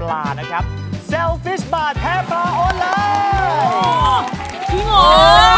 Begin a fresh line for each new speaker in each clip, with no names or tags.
ลานะครับ Selfish Bar แพ้ปลาออนไลน์
จริงเหรอ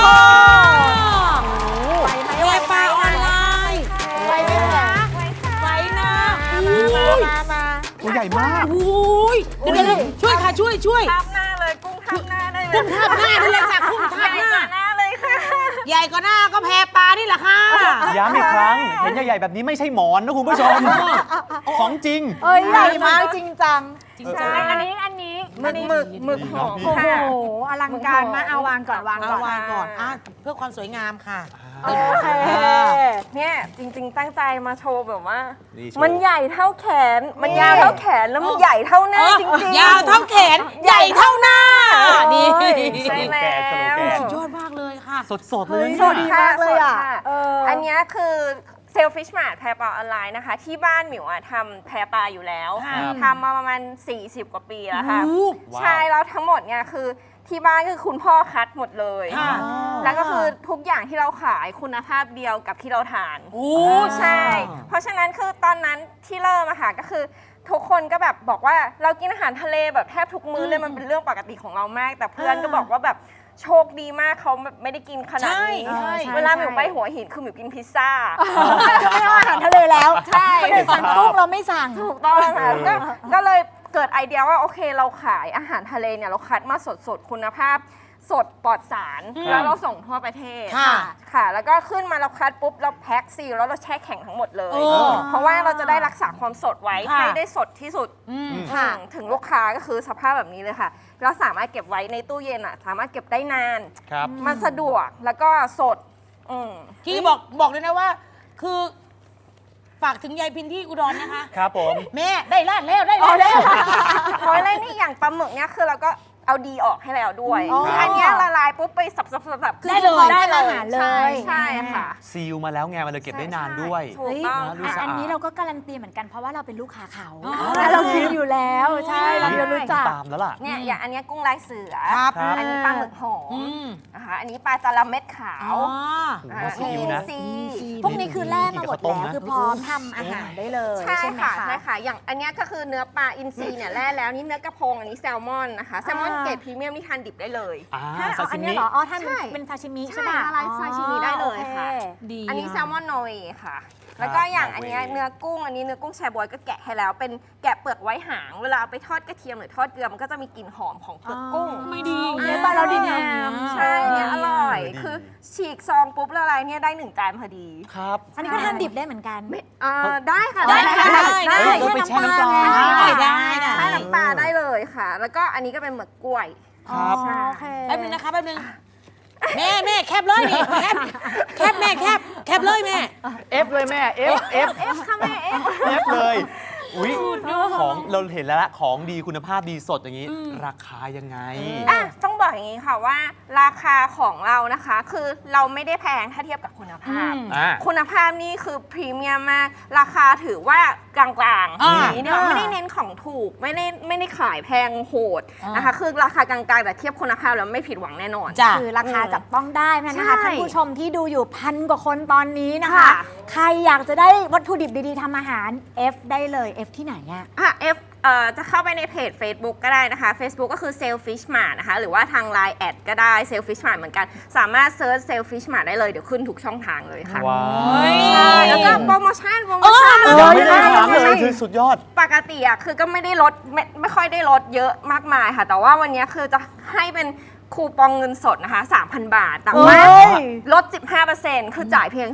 แพ้ปลาออนไลน์ไปไหมคะไปนะมา
ตัวใหญ่มาก
อุ้ยเดี๋ยวช่วยค่ะช่วย
ทับหน้าเลยกุ้งทับหน้าได้เลย
กุ้งทับหน้าได้เลยค่ะกุ้งทับหน้า
เลยค่ะ
ใหญ่กว่าหน้าก็แพ้ปลานี่แหละค่ะ
ย้ำอีกครั้งเห็นใหญ่ๆแบบนี้ไม่ใช่หมอนนะคุณผู้ชมของจริง
ใหญ่มากจริงจัง
ใช่อันนี้หมึกหอม
โอ้โหอลังการมากเอาวางก่อนวางก่อน
เพื่อความสวยงามค่ะ
โอเค
เนี่ยจริงๆตั้งใจมาโชว์แบบว่ามันใหญ่เท่าแขนมันยาวเท่าแขนแล้วมันใหญ่เท่าหน้าจริงๆ
ยาวเท่าแขนใหญ่เท่าหน้านี่
ใช่แล้ว
สุดยอดมากเลยค่ะ
สดๆเลย
สดมากเลยอ่ะอันนี้คือSelfish Mart แพปลาออนไลน์นะคะที่บ้านหมิวทำแพปลาอยู่แล้วทำมาประมาณ40 กว่าปีแล้วค่ะใช่แล้วทั้งหมดเนี่ยคือที่บ้านคือคุณพ่อคัดหมดเลยแล้วก็คือทุกอย่างที่เราขายคุณภาพเดียวกับที่เราทานใช่เพราะฉะนั้นคือตอนนั้นที่เริ่มอะค่ะก็คือทุกคนก็แบบบอกว่าเรากินอาหารทะเลแบบแทบทุกมื้อเลยมันเป็นเรื่องปกติของเรามากแต่เพื่อนก็บอกว่าแบบโชคดีมากเขาไม่ได้กินขนาดนี้เวลาหมิวไปหัวหินคือหมิวกินพิซซ่า
ไม่เอาอาหารทะเลแล้ว
ใช่
ไม่ได้สั่งกุ้งเราไม่สั่ง
ถูกต้องค่ะก็เลยเกิดไอเดียว่าโอเคเราขายอาหารทะเลเนี่ยเราคัดมาสดคุณภาพสดปลอดสารแล้วเราส่งทั่วประเทศค่ะแล้วก็ขึ้นมาเราคัดปุ๊บเราแพ็คซีลแล้วเราแช่แข็งทั้งหมดเลยเพราะว่าเราจะได้รักษาความสดไว้ให้ได้สดที่สุดถึงลูกค้าก็คือสภาพแบบนี้เลยค่ะเราสามารถเก็บไว้ในตู้เย็นอ่ะสามารถเก็บได้นานมันสะดวกแล้วก็สด
ที่บอกเลยนะว่าคือฝากถึงยายพินที่อุดรนะคะ
ครับผม
แม่ได้ร้านแล้ว
เพราะอะไรนี่อย่างปลาหมึกเนี่ยคือเราก็เอาดีออกให้แล้วด้วยอันนี้ละลายปุ๊บไปสับ
ได้เลยได้อาหารเลย
ใช่ค่ะ
ซีลมาแล้วไงมันเลยเก็บได้นานด้วย
อันนี้เราก็การันตีเหมือนกันเพราะว่าเราเป็นลูกค้าเขาเรากินอยู่แล้วใช่เรารู้จัก
ตามแล้วล่ะ
เนี่ยอย่างอันนี้กุ้งลายเสืออันนี้ปลาหมึกหอมนะคะอันนี้ปลาจาระเม็ดขาว
ซี
พวกนี้คือแล่มาหมดแล้วคือพร้อมทำอาหารได้เลย
ใช่ค่ะใช่ค่ะอย่างอันนี้ก็คือเนื้อปลาอินทรีเนี่ยแล่แล้วนี่เนื้อกระพงอันนี้แซลมอนนะคะแซลมอนเกรดพรีเมียมนี่ทานดิบได้เลย
อันนี้เหรอท่านเป็นซาชิมิใช่ไหม
ลายซาชิมิได้เลยค่ะอันนี้แซลมอนนอร์เวย์ค่ะแล้วก็อย่างอันนี้เนื้อกุ้งอันนี้เนื้อกุ้งแชบวยก็แกะให้แล้วเป็นแกะเปลือกไว้หางเวลาเอาไปทอดกระเทียมหรือทอดเกลือมันก็จะมีกลิ่นหอมของเปลือกกุ้ง
ไม่ดี
เนี่ยบ้านเราดีงาม
ใช่เนี่ยอร่อยคือฉีกซองปุ๊บละลายเนี่ยได้1 จานพอดี
ครับ
อันนี้ก็ทานดิบได้เหมือนกัน
ได้ค่ะได้
ไปแช่น้ำปลา
ได้แช่น้ำปลาได้เลยค่ะแล้วก็อันนี้ก็เป็นหมึกกล้วย
ครับ
แป๊บนึงนะคะแป๊บนึงแม่แคบเลยนี่แคบแม่แคบเลยแม่
F เลยแม่ F
ค่ะแม่
F เลยอุ้ยของเราเห็นแล้วละของดีคุณภาพดีสดอย่างนี้ราคายังไง
ต้องบอกอย่างนี้ค่ะว่าราคาของเรานะคะคือเราไม่ได้แพงถ้าเทียบกับคุณภาพคุณภาพนี่คือพรีเมียมมากราคาถือว่ากลางๆอย่างนี้เนี่ยไม่ได้เน้นของถูกไม่ได้ขายแพงโหดนะคะคือราคากลางๆแต่เทียบคุณภาพแล้วไม่ผิดหวังแน่นอน
คือราคาจับต้องได้นะคะท่านผู้ชมที่ดูอยู่1,000 กว่าคนตอนนี้นะคะใครอยากจะได้วัตถุดิบดีๆทำอาหาร F ได้เลย F ที่ไหน
F จะเข้าไปในเพจ Facebook ก็ได้นะคะ Facebook ก็คือ Selfish Mart นะคะหรือว่าทาง Line แอดก็ได้ Selfish Mart เหมือนกันสามารถเซิร์ช Selfish Mart ได้เลยเดี๋ยวขึ้นทุกช่องทางเลยค่ะ
ว้
าวแล้วก็โปรโมชั่น
ไม่ได้ถามเลยคือสุดยอด
ปกติคือก็ไม่ได้ลดไม่ค่อยได้ลดเยอะมากมายค่ะแต่ว่าวันนี้คือจะให้เป็นคูปองเงินสดนะคะ 3,000 บาทแต่ว่าลด 15% คือจ่ายเพียง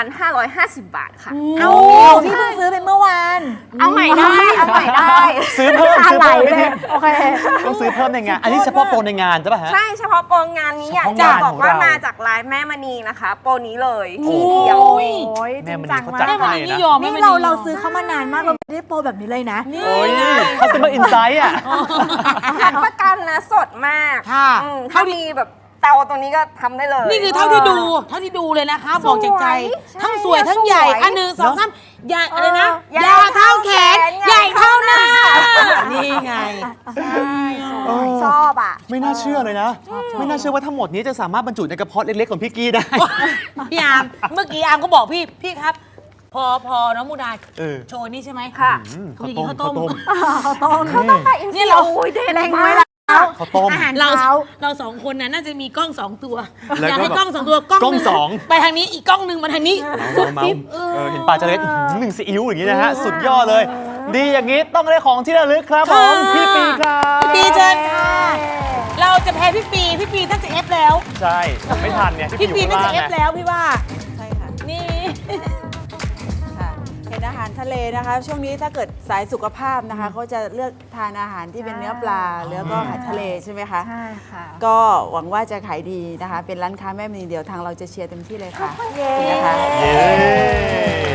2,550 บาทค่ะ
ที่เพิ่งซื้อไปเมื่อวาน
เอาใหม่ได้
ซื้อเพิ่มโอเคต้องซื้อเพิ่มในงานอันนี้เฉพาะโปรในงานใช่ป่ะฮะ
ใช่เฉพาะโปรงานนี้อยากจะบอกว่ามาจากไลน์แม่มณีนะคะโปรนี้เลยทีเดียว
แม่มณีเขาจัดให้นะ
นี่เราซื้อเขามานานมากเราไม่ได้โปรแบบนี้เลยนะ
เขาซื้อมาอินไซต์
รับประกันนะสดมากถ้ามีแบบเตาตรงนี้ก็ทำได้เลย
นี่คือเท่าที่ดูเลยนะคะบอกจากใจทั้งสวยทั้งใหญ่อันหนึ่งสองสามใหญ่อะไรนะยาวเท่าแขนใหญ่เท่าหน้านี่ไง
ชอบ
ไม่น่าเชื่อเลยนะไม่น่าเชื่อว่าทั้งหมดนี้จะสามารถบรรจุในกระเพาะเล็กๆของพี่กี้ได้
พี่อาร์มเมื่อกี้อาร์มก็บอกพี่ครับพอน้องมูดา
เออ
โชว์นี่ใช่ไหม
ค่ะ
ข้าวต้มข้าวต้ม
ข้าวต้ม
เขาต้องไปอิน
เนี่ยเรา
โอ้ยเด็ด
แรง
มา
ไว้
ก
แล้ว
ข้าวต้ม
อาหาร
เรา
เช้า
เราสองคนน่ะน่าจะมีกล้องสองตัว
แล้วก็
อยากให้
แบบ
กล้องสองตัวกล้อง
กล้อง
หนึ่
สอง
ไปทางนี้อีกกล้องหนึ่งมาทางนี้
เมาเห็นปลาจะเล็ดหนึ่งซีอิ๊วอย่างนี้นะฮะ สุดยอดเลย ดีอย่างนี้ต้องได้ของที่ระลึกครับผมพี่ปีครับ
พี่ปีเชิญค่ะ เราจะแพ้พี่ปีน่าจะเอฟแล้ว
ใช่ผมไม่ทันเนี่ยพี่ปี
พี่
อยู่
ปี
ข้าง
น่า
ล่าง
จะเอฟ
ไง
แล้วพี่ว่า
ใช่ค่ะ
นี่
ค่ะเป็นอาหารทะเลนะคะ ช่วงนี้ถ้าเกิดสายสุขภาพนะคะเขาจะเลือกทานอาหารที่เป็นเนื้อปลาแล้วก็อาหารทะเลใช่ไหมคะ
ใช่ค่ะ
ก็หวังว่าจะขายดีนะคะ เป็นร้านค้าแม่มณีเดียวทางเราจะเชียร์เต็มที่เลยค่ะ
เย้
นะคะ
เย้